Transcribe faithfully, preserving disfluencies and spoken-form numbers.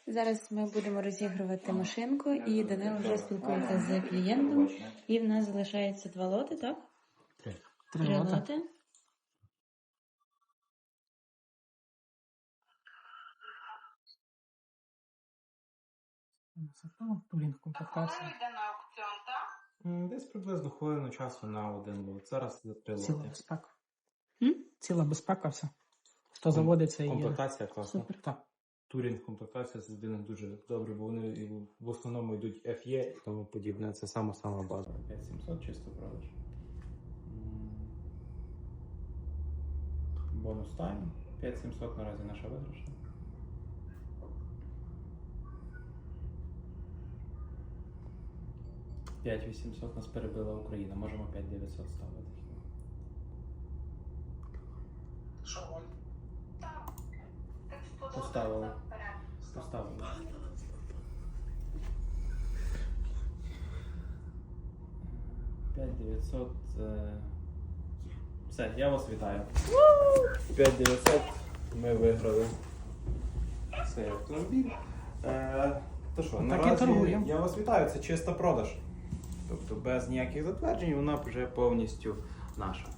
Зараз ми будемо розігрувати машинку, і Данило вже спілкується з клієнтом. І в нас залишається два лоти, так? Три. Три, Три лоти. лоти. Турінг комплектація. Йде на аукціон, так? Десь приблизно хвилину часу на один лот. Зараз за три Ціла лоти. безпека. М? Ціла безпека, все. Хто заводиться і... Комплектація класна. Супер. Так. Турінг комплектація з людини дуже добре, бо вони і в основному йдуть еф є і тому подібне. Це сама-сама база. п'ять сімсот чисто продаж. Бонус тайм. п'ять сімсот наразі наша виграшна. п'ять вісімсот нас перебила Україна. Можемо п'ять дев'ятсот ставити. Що, Оль? Так. Так сподобалося. Поставили. Вперед. Поставили. п'ять дев'ятсот. Е... Все, я вас вітаю. п'ять дев'ятсот ми виграли цей автомобіль. Е... То що, Так і наразі торгуємо. я вас вітаю, це чиста продаж. Тобто без ніяких затверджень вона вже повністю наша.